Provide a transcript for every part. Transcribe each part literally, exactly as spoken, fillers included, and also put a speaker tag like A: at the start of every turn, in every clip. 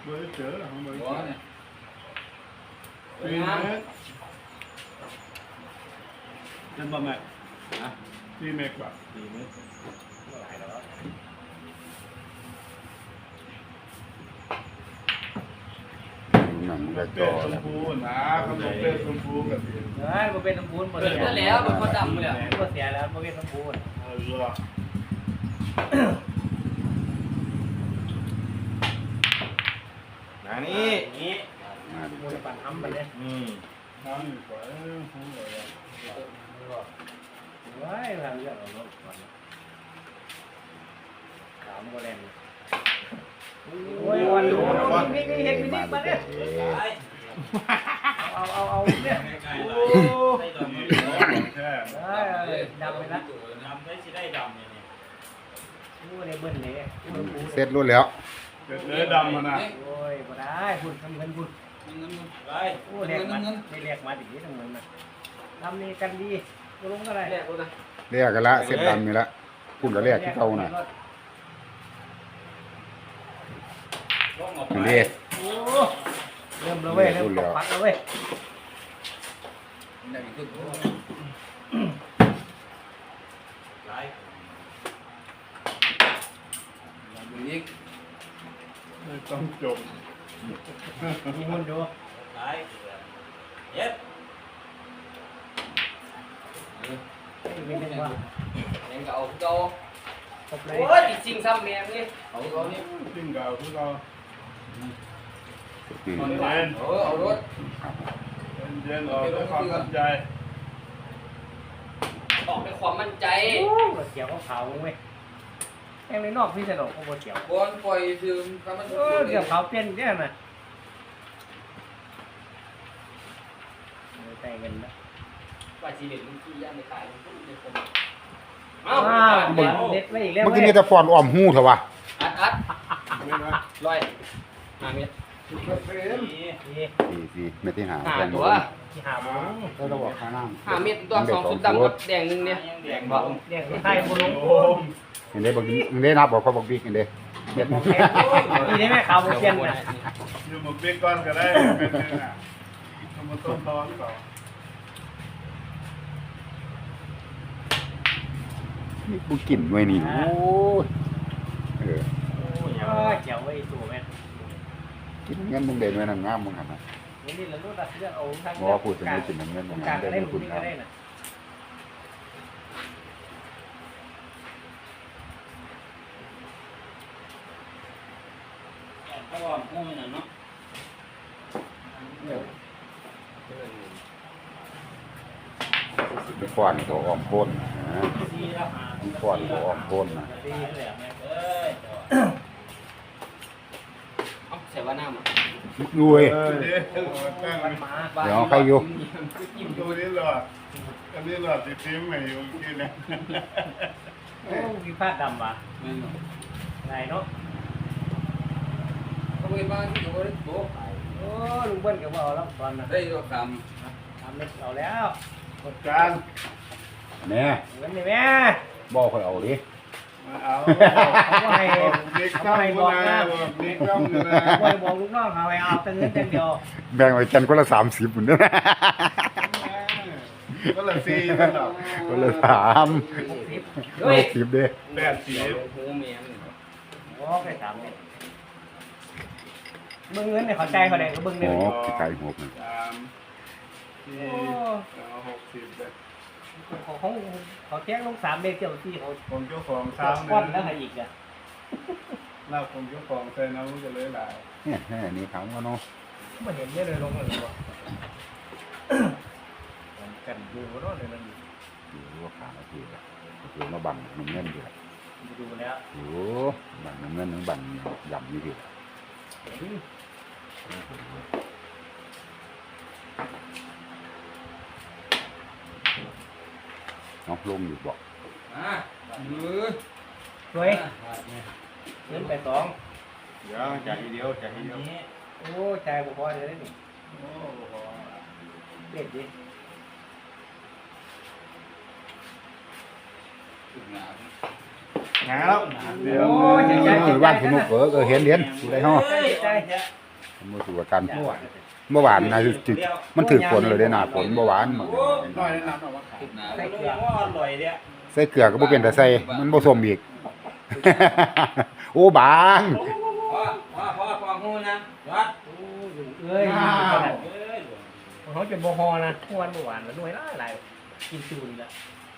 A: เบอร์เจอของเบอร์เจอเนี่ยปีเมกเป็นบะแม่นะปีเมกแบบปีเมกหลายแล้ว
B: หนังกระจ
A: เป็
B: อ
A: ดชม
B: แล้ว
A: พูนะเขาบอกเป็ดชมพูกับเ
C: เฮ้ยมันเป็นน้ำปูนหมดเลย
D: แล้วมันก็ดำเลย
C: ก็เสียแล้วมันเป็นน้ำปูน
A: ออ
D: นะนี่
C: นี่
B: มาดิ
C: มูลปั่นทำไปเลย
D: อืม
A: น้ำอยู่ก่อนห้องเลย
C: เฮ้ยทำเยอะเอารถก่อนขาวโมเลนโอ้ยวันดูนี่นี่เห็นมินิมาเนี่ยเอาเอาเอาเนี่ย
A: โอ้แค่
C: เฮ้ยดำไปละ
D: ดำได้สิได้ดำเนี่ย
C: โอ้ยเบิ้ลเลย
B: เสร็จรุ่นแล้ว
A: เป็ดเนื้อดำมันนะ
C: โอ้ยบ่ได้พูดทำเงินพูด
D: เงินไป
C: โอ้เรียกมาไม่เรียกมาดิทำเงินนะทำนี่กันดีกูลงก็ได้
D: แรกกูนะ
B: เรียกกันละเสร็จดำนี่ละคุณก็เรียกที่เก่าน่ะ
D: ล่องออก
B: นี่
D: ไป
B: ดิ
C: โอ้เริ่มแล้วเว้ยเริ่มตกพักแล้วเว้ย
D: ได้ขึ้นไล่อีก
A: ไม่ต้องจม
C: มีคนดู
D: ไล่เย็ด
C: ไม่เป็นว่า
D: ยังเก่าเก่า
C: ครบเลย
D: โอ้ยจริงซ้ำแม่นี่เอาเอานี่
A: จิ้งเก่าคือเรา
B: อืม
A: เย็น
D: เออเอารถ
A: เย็นออกด้วยความตั้งใจ
D: ออกด้วยความมั่นใจ
C: โอ้รถเกี่ยวเขาเขาเว้ยแองในนอกพี่สนุกเขาบ่เกี่ยว
D: บอลปล่อยซึมก็มัน
C: เออเกี่ยวเขาเปลี่ยนเนี่ยนะแต่เงินนะ
D: ว่าสีเหลืองที่ย่านในขายมันเป็นคน
C: อ้าวเด็ดไว้อีกแล้ว
B: เมื่อ
C: เว้
B: กี้
C: ย
B: นี่จะฟอนอ้อมหูเถอะวะ
D: อัดอัด
A: ไม่นะ
D: ร้อยห้าเมตร
C: นี่
B: สี่สี่ไม่ที่หา
D: ห้า
B: แฟน
D: ตัว
C: ที่หาหมู
B: ก็ต้องบอกข้างน้ำ
D: ห้าเมตรตัวสองชุดดำกับแดงนึงเนี่ยแดงบ่
C: เรียกไทยบุรุษ
A: โอ้ม
B: เห็นได้บอกเห็นได้นับบอกเขาบอกบิ๊กเห็นได้เด็ด
C: นี่ได้ไหมเขาบ่เปลี่ยนนะ
A: อยู่หมกเบก้อนก็ได้เป็นเนื้อทำมาต้มร้อนก่อน
B: นี่กูกินไว้นี่โอ้ยเออ
C: โอ้ยเกี่ยวไว้ตัวแม่
B: กินเงินมึงเด่นไว้นั่งงามมึงหันนะ
C: นี่นี่เราลูกตัดเลือดเอาทั้ง
B: บอกว่าพูดถึงไม่กินเงินมึง
C: กลา
B: หั
C: ง
B: น
C: ก็
B: ได้
C: ได้
B: ไม่
C: คุ
B: คุณ ณ
C: ก็
B: ครับ
C: ได้น่ะ
D: ก็ว่าพูดน่ะเนาะ
B: ไปฟ้อนตัวอ้อมโคนนะ
C: ดีแล้วหา
B: มันฟ้อนตัวอ้อมโคนนะ
C: ดีเลยอ่ะ
D: เอ้ยเอาใส่ว่าน้ำอ่ะ
B: ดูเว้ย
A: เออเดี๋ยวตั้ง
C: มันมา
B: เดี๋ยวใครอยู่
A: ตัวนี้หลอดอันนี้หลอดติดทิ้งใหม่อยู่ที่นี่
C: โอ้มีผ้าดำว่ะไหนเนาะ
D: เขาไปบ้านที่เขาได้โบ๊ะ
C: โอ้ลุงเบิ้ลก็บอกแล้วตอนนั้น
D: ได้ตัวค
C: ทำเล็กเอาแล้ว
A: กดการ
B: แม่
C: เงินนี่แม่
B: บอกคอยเอาดิ
A: มาเอา
C: เขาให้
A: บิ๊ก
C: เขา
A: ก้อง
C: ให้บ
A: กู
C: อก
A: นะ
C: นะ
A: บอกบิ๊กก้องกูนะ
C: บอยบอกลูกน้องเขาให้เอาแต่เงินแต่เดียว
B: แบ่งไว้กันคนละสามสิบเหมือนเดิม
A: ก็ละสี่กันหรอก
B: คนละสาม
C: สิบ
D: ำ
B: หกสิบเด้
A: แปดสี่
D: หูเมียน
C: โอ้ไปสามเนี่ยเบิ้งเงินเนี่ยเขาใจเขาแดงก็เบิ้ง
B: ห
C: เนี่ย
B: กที่ไก่หกนะ
A: สามสี่เอาหกสิบเลย
C: เขาเขาเขาแจ้งลงสามเด็กเจ้าที่เขา
A: ผมเจ้าของ
C: สา
A: สาม
C: ก้อน
A: เดื
C: แล้
A: อ
C: วน ให้อีกอ่ะ
A: ลาบผมเจ้าของใส่น้ำจะเลยหลาย
B: เนี่ยแค่นี้เขาก็เนาะ
C: ไม่เห็นเนี่ยเลยลงเลยว่ะกันดูรถเลยนั่น
B: อยู่ว่าขานาทีละอยู่มาบังน้ำเงินอยู่ละ
C: ดูแล้ว
B: อยู่บังน้ำเงินน้ำบังยำอยู่ดิน้องลงอยู่บอก
D: อ่ะมือ
C: รวยเงินไปสอง
A: เดี๋ยวจ่ายทีเดียวจ่ายทีเดียว
C: โอ้ใจบุพอเลยนี่
A: โอ้โห
C: เด็ดดิ
D: ถึงงาน
A: หาแล้วเดี๋ยว
C: โอ้ยใจใจ
B: บ้านคุณนุกเออก็เห็นเห็นอยู่ได้ห้อ
C: ใจ
B: มือถือว่ากันเมื่อวานนะจุดมันถือฝนเลยได้หนาฝนเมื่อวาน
A: น้อยแนะนำเอามาขาย
C: ใส่เกลือ
B: ใส่เกลือก็บ่เป็นแต่ใส่มันบ่สมอีก โอ้บาง
D: พ่อพ่อพ่อพ่องูนะวัด
C: เอ้ยเขาจะบ่ฮอนะทุกวันเมื่อวานแล้วด้วยละหลายกินซูนละ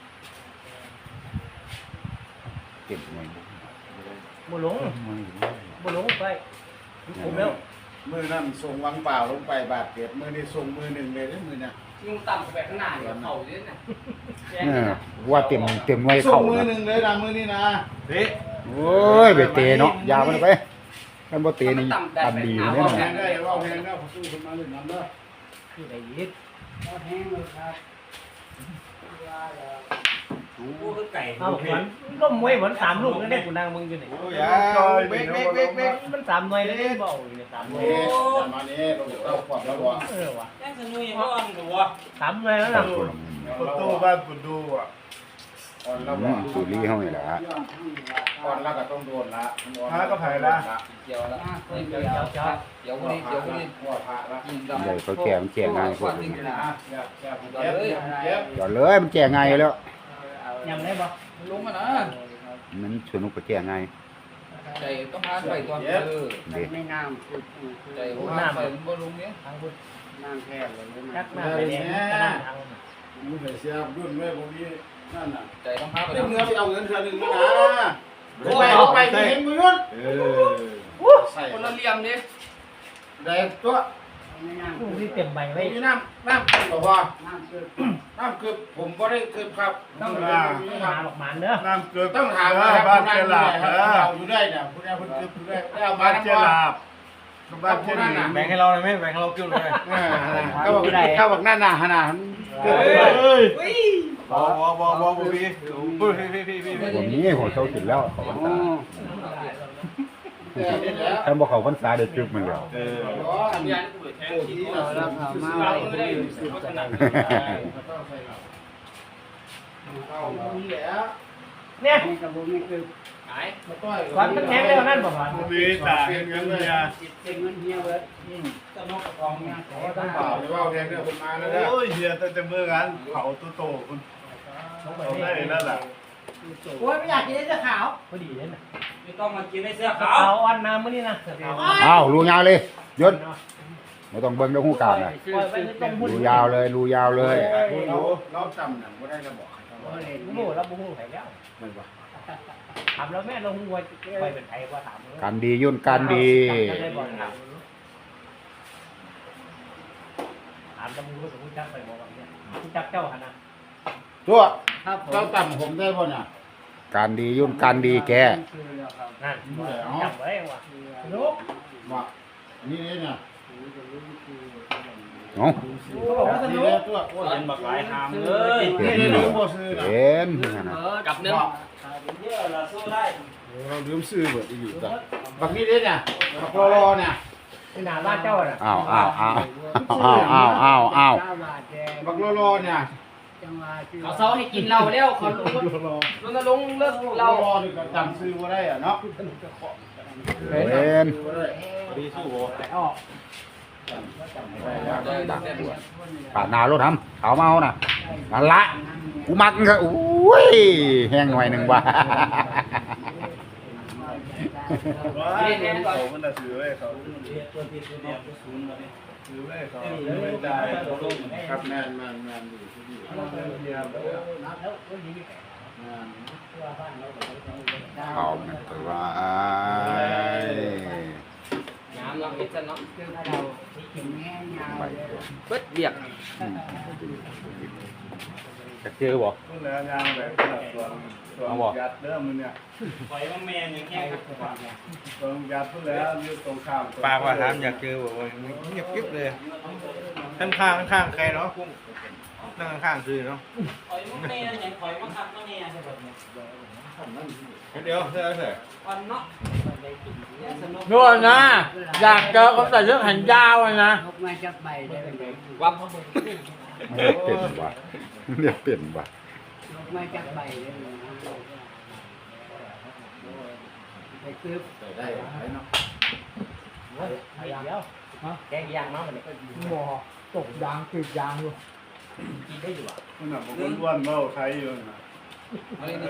B: เก็บไว้
C: บ่หลงบ่หลงไปผมแล้ว
A: มือนั่นส่งวังเปล่าลงไปบาดเจ็บมือนี่ส่งมือหนึ่งเลยได้มือเนี่ย
D: ยุงต่ำไปข้างหน้าเดี๋ยวเข่าเนี่ยนะ
B: เออว่าเต็มเต็มไว้
A: ส่
B: เข้าง
A: มือ
B: นะ
A: หนึ่งเลยนะมือนี่นะเฮ้
B: โอ้ยไปเตะเนาะยาวมันไปกันบ่เตะนี่ตันดีอยู่แน่น
A: เอา
B: อน
A: แพงได้เอาแพงได้ผมสู้คนมาหนึ่งน้ำเด้อ
C: ที่ไหนยิด
D: กูคือไก่
C: เอาขวัญก็มวยเหมือนสามลูกนั่นได้กูนางมึงอยู่นี่
A: โอ้ยเบรกเบรกเบรกเบรก
C: มันสามหน่วยแล้วได้บ่อยู่เนี่ยสามหน่วย
A: เฮ้ยมาเนี่ยเราเราขวบแล้วบ่
C: เออว่ะ
D: แจ้งสนุยยังร้อนอยู่วะ
C: สามหน่วยแล้วนะ
A: ประตูบ้านปุดูอ่ะอ่อนแล้ว
B: อื
A: บ่
B: มสูรีเฮานี่แหละ
A: อ่อนแล้วก็ต้องโดนละพระก็ไผ่ละ
D: เดี๋ยวละ
C: เดี๋ยวเดี๋ยวเดี๋ยว
D: เดี๋ยวคนนี้เดี๋ยวคนนี้
A: หัวพระละ
D: ยิง
B: ใหญ่เขาแก่มันแก่ง่ายพวกนี้
A: นะอย่าอย่าเจ็บเจ็บ
B: จอดเลยมันแก่ง่ายอยู่แล้ว
C: ยำได้บ่
D: ลงมานะ
B: มันสนุกก็แก่ง่าย
D: ใจต้องพาไปตอนเออ
B: เด้
E: ไม่น้
D: ใจพาไปบ่ลงเนี้ย
C: ทางพุทธ
E: ำน้ำแค่เลยไม่
C: จั
E: น้
C: กหน้าไปแดงกระด้างทาง
A: มึงไปเสียรุ่นแม่พวกนี้นั่นน่ะ
D: ใจต้องพาไป
A: เนื้อไปเอาเงินเดือนหนึ่งนะไปเอาไปเห็นมือนู้นเออใส่
D: คนละเหลี่ยมดิ
A: แดงตัว
E: ไม่น้
C: ผู้ที่เต็มใบไว้
A: มีน้ำน้ำบอกว่า
E: ำน้ำคือ
A: น้ำคือผมก็ได้คือครับ
C: ต้อง
A: ต้อง
C: หา
A: หา
C: หลอกหมันเด้อ
F: น้ำเกลือ
A: ต้องถามว่าบ้านเจลาบเราอยู่ได้เนี่ยคุณแม่คุณคือคุณแม่ได้เอามา
F: บ้าน
A: น้ำ
F: เจ
A: มัน
F: ลาบบ้านเจลี
C: แบ่งให้เราเลยไหมแบ่งให้เรากิ้วเลย
A: เขาบอกเขาบอกนั่นน่ะขนาด
F: เฮ้ยบอบอบอบอพี่พี่พี่พี่พี่
B: วันนี้หัวเช้ากินแล้วเขาพรรษา
A: แล้ว
B: ถ้าบ่เขาพรรษาได้จึกมันแล้ว
F: เออ
D: ทำยานกูเลยแทงที่
E: เราเราเอามาไว้ที่นี่สุดขนาด
A: เอามีแล้ว
C: เนี่ย
E: นี้กับผมนี่คือ
D: หาย
A: มาต้อย
C: ก่อนมันแทงเร็วนั่นบ่ก่อน
F: มีตาเงินเงินเนี่ย
E: เป็นเงินเฮียเว้ย
D: ตะนกกระกองเนี่ย
A: ขอต้องเปล่าหรือว่าแทนเนี่ยคุณมาแล้วเนี่ย
F: โอ้ยเฮียตั้งแต่เมื่อกันเผาตัวโตคุณเอาได้นั่นแหละ
E: โอ้ยไม่อยากกินเสื้อขาว
C: พอดีเลยนะ
D: ไม่ต้องมากินในเสื้อขา
C: ขาว
D: ว
C: อ่อนน้ำมื้อนี้นะ
B: อ้าวรูยาวเลยยศไม่ต้องเบิ่งเรื่องหูกลางนะ
C: ปล่อยไปต้องพูด
B: รูยาวเลยรูยาวเลย
A: เราเราจำหนังก็ได้ระบอก
E: โอ้ย
C: โม่แล้วบ่ฮู้ไผแล้วถามแล้วแม่เราฮู้ว่าไปเป็นไผว่าถาม
B: การดียุ่นการดี
C: ได้บ่ถามถามตำรวจรู้จักไปบ่ว่าเนี่ยรู้จักเจ้าหั่นน่ะ
A: ตัว
E: ครับผม
A: เราจำผมได้ป่ะเนี่ย
B: การดียุ่นการดีแก
C: นั่นจำไว้ว่าลูก
A: ว่านี่เนี่ย
B: เนาะ
C: เขาบอกว่าส
A: นี่
C: นุก
A: ตัวโอ้ย
D: เห็นบักหลายหามเลย
B: เห็น
A: นี่
B: เหร
A: ลื
B: อ
A: มบ่ซื้อนะ
B: เห็นนั่นน่ะ
D: กับเนื้อ
C: เยอะละสู้ได้
A: เราลืมซื้อเบิดอยู่จ้ะบักนี้เด้เนี่ยบักรอรอเนี่ย
C: นี่นาบ้านเจ้าน่ะ
B: อ้าวอ้าวอ้าวอ้าวอ้าวอ้าวอ้าว
E: เก้าบาทแดง
A: บักรอรอเนี่ย
E: จังหวะที่
D: เขาเซาให้กินเหล้าแล้วเขาลงลงลงเลิก
A: ร
D: เหล้า
A: อนี่ก็จำซื้อบ่ได้อ่ะเนาะ
B: เห็น
F: ดีสู้โบ
C: ออก
B: ปาดหนารถทำเขาเมาน่ะนั่นละกูมักก็อุ้ยแห้งหน่อยหนึ่งว่ะ
F: ว้าเขามันน่ะซื้อไว้เขาซื้อไว้เขาไม่ได้
A: ครับแม่นแม่นแม่นอยู่ที่นี่แม่น
B: เอามันตัวว่า
D: น้ำเราพิจารณา
E: คือเราเข็มแง่ยาว
B: ไป
E: เลย
D: เบิดเบียก
B: จะเจอบ่
F: ต้นแล้วยางแบบส่วนส่วนยัดเริ่มมันเนี่ย
D: ปล่อยว่าแมนอย่างเงี้ย
F: ส่วนยัดพุ่นแล้วยืดตรงข้าม
G: ปากว่าถามอยากเจอบอกว่าเงียบกริบเลยข้างข้างข้างๆใครเนาะกุ้งนั่งข้างๆคือเนาะ
D: ปล่อยว่าแมนอย่างปล่อยว่าขับว่าแมน
G: เดี๋ยวเดี๋ยวเดี๋ยว
D: วันเนาะ
G: นู่นนะอยากเจอคนใส่เสื้อแขนยาวเลยนะ
E: ลกมาจากใบได้เป็นไง
D: วับ
B: เรียกเปลี่ยนว่ะเรียกเปลี่ยนว่ะ
E: ลกมาจากใบได้เป็นไงไปซื้อ
A: ใส่ได้ไหมเนาะ
C: เฮ้ยไอ้เดียวแกงยางเนาะมันนี่
H: หมอตกยางติดยางอยู่
C: กินได้อยู่อ่ะ
F: มันน่ะผมอ้วนๆเมาใช้อยู่นะ
D: เอาเลยนี่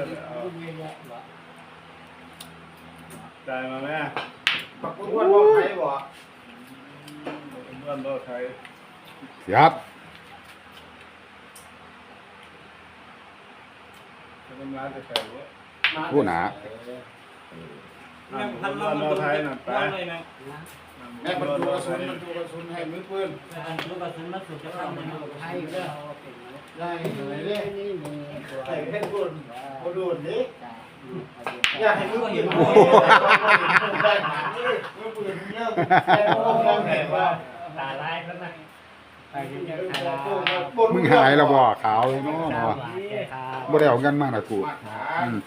F: ได้มาแม่
A: ปักอ้วนบ่ใครบ่
F: อ้วนๆเมาใช้
B: เสียบ
F: ทำงานจะใส่หัว
B: ผู้หนา
F: อ้วนๆเมาใช้น่ะไป
A: แม่บรรจุกระสุนบรรจุกระสุนให้มือปืน
E: ลูกกระสุนมาสุดจะเข้ามันไทยก็
A: ได้เลยเด้
E: นี่มีตัว
A: ใส่เพชรบุญบ่โดนนี่
E: จ้า
A: อยากให้มือปืนได้มามือปืนเยอะได้โอ้โหแม่ว่า
C: ตาลายแล้วนะ
E: ไปเรียนคารา
B: มึงหายแล้วบ่ขาวเลยเนาะ
E: สา
B: เนาะ
E: วคา
B: บ่ได้เอาเงินมาน่ะกู
A: มาหา
B: อืม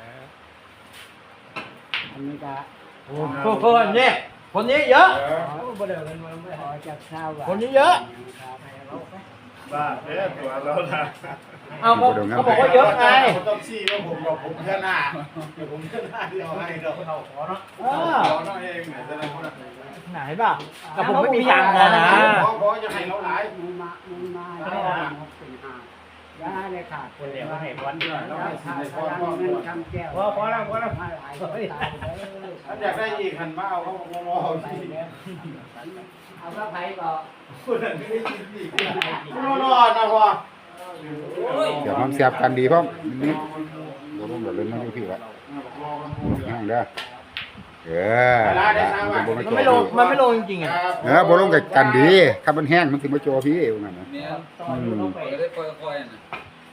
E: อันนี้ก็
C: โอ้โหเนี่ยคนนี้เยอะ
E: บ่ได้เงินมาไม่ขอจากชาว
C: คนนี้เยอะ
F: บ้าเด้อตัวเราน่ะ
C: เอาเขาเขาบอกว่าเยอะไง
A: ต้องชี้ว่าผมกับผมแค่หน้าเดี๋ยวผมแค่หน้าเดียวให้เราเราขอเนาะ
C: เออ
A: ขอเนาะเองไหนจะได้คนละ
C: ไหนป่ะกับผมไม่มีตังค์นะนะ
A: ขอขอจะให้เราหลาย
E: มึงมามึงมาได้หกสี่ห้ายาเลยขาด
C: คนเดียวก็ให้วันเดียว
E: แล้วให้ขาดพลังเงินคำแก้ว
C: พอพอแล้วพอแล้ว
E: มาหลายคนตายเลย
A: ถ้าอยากได้อีกหันมาเอาเขามองมองที่
E: เอาก็ไผ่บอก
A: คนนั้นไม่ได้กินอีกรอดนะพ่อ
B: เดี๋ยวมันเสียบกันดีพร้อมนิดบ่ต้องเดี๋ยวเล่นมาอยู่พี่ละนั่งเด้อเออมันบ่มา
C: มัน
B: โจ
C: ไม่ลงมันไม่ลงจริงๆอ่ะ
B: เออบ่ลงกับกันดีถ้ามันแห้งมันสิมาโจพี่ว่างั้นน่ะ
D: เนี่ย
B: อืม
D: ไปได้ค่อยๆนะ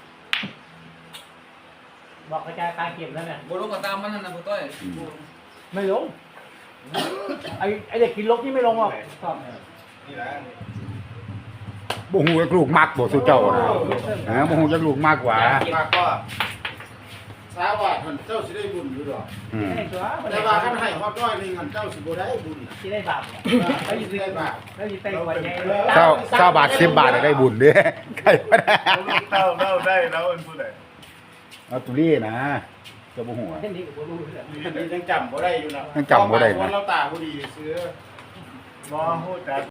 C: บอกกระจายการเก็บแล้วเนี่ย
D: บ่ลงก็ตามมันนั่นนะพ่อต้อย
B: อืม
C: ไม่ลงไอ้ไอ้เด็กกินลบที่ไม่ลงหรอก
F: นี่แหละ
B: บ่ฮู้ว่าลูกมักบ่สุเจ้านะเออบ่ฮู้จักลูกมากกว่า
A: มากก็สาวว่าท่านเจ้าสิได้บุญอยู่ดอก
B: อืม
C: ไอ้ตัว
A: แต่ว่าคันให้ฮอดร้อยนึงหันเจ้าสิบ่ได้บุญ
C: ที่ได้บาป
A: แล้วสิได้บาป
C: แล้วยิ่งเต้นกว่าใจ
B: เจ้าเจ้าบาทสิบบาทได้บุญเด้ใครบ่ได้
F: เต้าเต้าได้แล้วเป็นผู้ใด
B: เอาตุลี่นะเจ้าบ่ฮู้อะ
C: เส้นนี้กับรู้เลย
A: นี่ยังจำบ่ได้อยู่นะ
B: ยังจำบ่ได้นะ
A: วันเราตาบ่ดีซื้อ
F: บ่ฮู้จัก